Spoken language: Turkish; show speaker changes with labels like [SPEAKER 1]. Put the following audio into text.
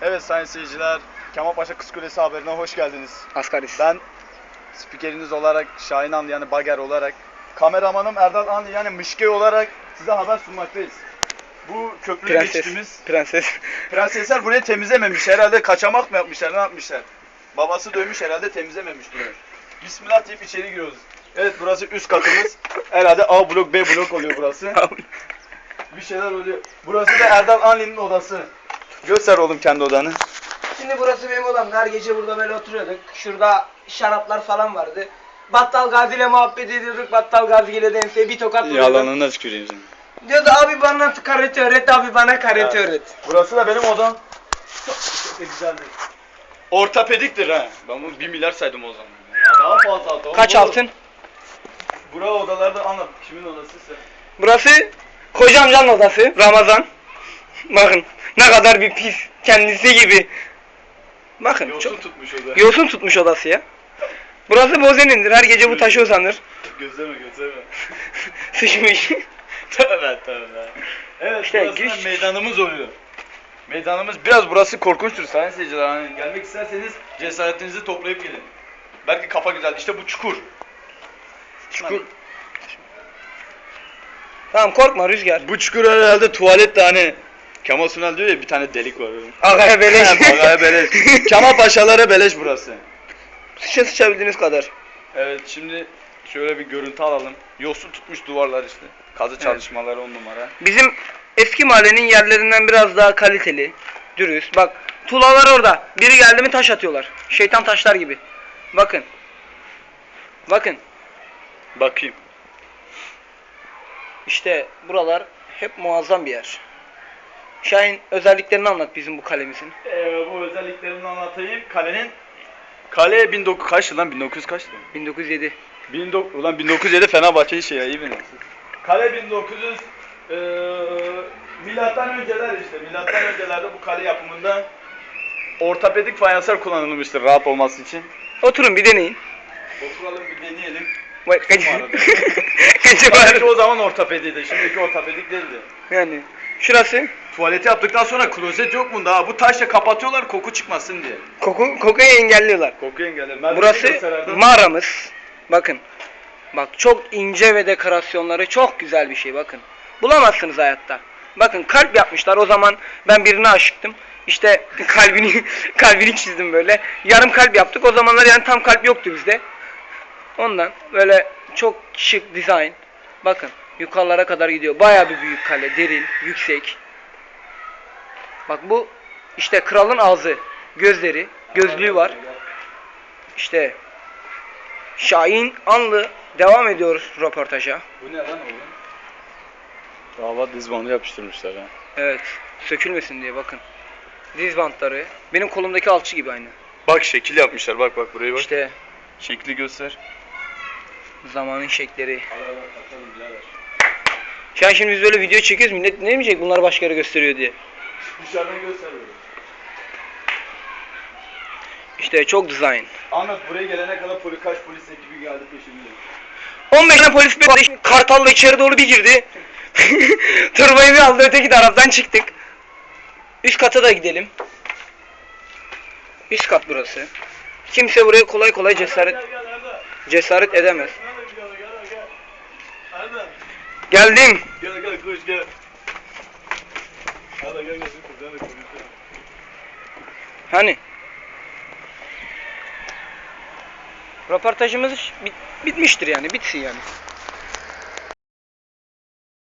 [SPEAKER 1] Evet sayın seyirciler, Kemalpaşa Kız Kulesi haberine hoş geldiniz.
[SPEAKER 2] Asgaris.
[SPEAKER 1] Ben spikeriniz olarak, Şahin Anlı yani Bager olarak, kameramanım Erdal Anlı yani Mışke olarak size haber sunmaktayız. Bu köprülü geçtiğimiz prensesler burayı temizlememiş. Herhalde kaçamak mı yapmışlar, ne yapmışlar? Babası dövmüş herhalde, temizlememiş burayı. Bismillah deyip içeri giriyoruz. Evet, burası üst katımız. Herhalde A blok, B blok oluyor burası. Bir şeyler oluyor. Burası da Erdal Anlı'nın odası. Göster oğlum kendi odanı.
[SPEAKER 2] Şimdi burası benim odam. Her gece burada böyle oturuyorduk. Şurada şaraplar falan vardı. Battal Gazi ile muhabbet ediyorduk. Battal Gazi ile dense bir tokat vuruyorduk.
[SPEAKER 1] Yalanına tüküreyim seni.
[SPEAKER 2] Diyordu abi bana karate öğret, abi bana karate öğret.
[SPEAKER 1] Burası da benim odam. Çok güzeldi. Ortopediktir ha. Ben bunu 1 milyar saydım o zaman. Ya daha fazla altın.
[SPEAKER 2] Kaç altın?
[SPEAKER 1] Bura odalarda anlat. Kimin odasıysa.
[SPEAKER 2] Burası koca amcanın odası. Ramazan. Bakın ne kadar bir pis. Kendisi gibi. Bakın
[SPEAKER 1] Yosun tutmuş oda.
[SPEAKER 2] yosun tutmuş odası ya. Burası Bozen'indir. Her gece bu taşı uzanır.
[SPEAKER 1] Gözleme.
[SPEAKER 2] Sıçmış.
[SPEAKER 1] Tövbe. Evet,
[SPEAKER 2] İşte
[SPEAKER 1] burası da meydanımız oluyor. Meydanımız biraz burası korkunçtur sayın seyirciler. Hani gelmek isterseniz cesaretinizi toplayıp gelin. Belki kafa güzel. İşte bu çukur.
[SPEAKER 2] Çukur. Tamam korkma Rüzgar.
[SPEAKER 1] Bu çukur herhalde tuvalet de hani Kemal Sunal diyor ya bir tane delik var.
[SPEAKER 2] Agaya beleş.
[SPEAKER 1] Agaya beleş. Kemal Paşalara beleş burası.
[SPEAKER 2] Sıçabildiğiniz kadar.
[SPEAKER 1] Evet, şimdi şöyle bir görüntü alalım. Yosun tutmuş duvarlar işte. Kazı çalışmaları 10 numara.
[SPEAKER 2] Bizim eski mahallenin yerlerinden biraz daha kaliteli, dürüst. Bak tuğlalar orada. Biri geldi mi taş atıyorlar. Şeytan taşlar gibi. Bakın. Bakın.
[SPEAKER 1] Bakayım.
[SPEAKER 2] İşte buralar hep muazzam bir yer. Şahin özelliklerini anlat bizim bu kalemizin.
[SPEAKER 1] Bu özelliklerini anlatayım. Kale 1900 kaç yıl lan? 1900 kaçtı?
[SPEAKER 2] 1907.
[SPEAKER 1] Ulan 1907 Fenerbahçe'yi şey ya, iyi bilirsiniz. Kale 1900 milattan önceler işte. Milattan öncelerde bu kale yapımında ortopedik fayanslar kullanılmıştır rahat olması için.
[SPEAKER 2] Oturun bir deneyin.
[SPEAKER 1] Oturalım bir deneyelim.
[SPEAKER 2] Bak kaç.
[SPEAKER 1] Belki o zaman ortopediydi. Şimdiki ortopedik değildi.
[SPEAKER 2] Yani şurası
[SPEAKER 1] Tuvaleti yaptıktan sonra klozet yok mu daha? Bu taşla kapatıyorlar koku çıkmasın diye.
[SPEAKER 2] kokuyu engelliyorlar.
[SPEAKER 1] Koku engeller.
[SPEAKER 2] Burası mağaramız. Bakın. Bak çok ince ve dekorasyonları çok güzel bir şey bakın. Bulamazsınız hayatta. Bakın kalp yapmışlar. O zaman ben birine aşıktım. İşte kalbini çizdim böyle. Yarım kalp yaptık. O zamanlar yani tam kalp yoktu bizde. Ondan böyle çok şık dizayn. Bakın yukarılara kadar gidiyor. Bayağı bir büyük kale, derin, yüksek. Bak bu işte kralın ağzı, gözleri, gözlüğü var. İşte Şahin Anlı devam ediyor röportaja.
[SPEAKER 1] Bu ne lan oğlum? Davat dizbandı yapıştırmışlar ha.
[SPEAKER 2] Evet, sökülmesin diye bakın. Diz bantları. Benim kolumdaki alçı gibi aynı.
[SPEAKER 1] Bak şekil yapmışlar, bak buraya bak.
[SPEAKER 2] İşte
[SPEAKER 1] Şekli göster.
[SPEAKER 2] zamanın şekleri. Şimdi biz böyle video çekiyoruz, millet ne demeyecek bunlar başka yere gösteriyor diye.
[SPEAKER 1] Dışarıdan göster böyle.
[SPEAKER 2] İşte çok dizayn.
[SPEAKER 1] Anlat, buraya gelene kadar kaç polis ekibi geldi peşimde.
[SPEAKER 2] 15 tane polis bir kartalla içeri doğru bir girdi. Turbayı bir aldı, öteki taraftan çıktık. Üst kata da gidelim. Üst kat burası. Kimse buraya kolay kolay cesaret edemez. Geldim.
[SPEAKER 1] Gel koş gel. Gel.
[SPEAKER 2] Hani? Röportajımız bitmiştir yani, bitsin yani.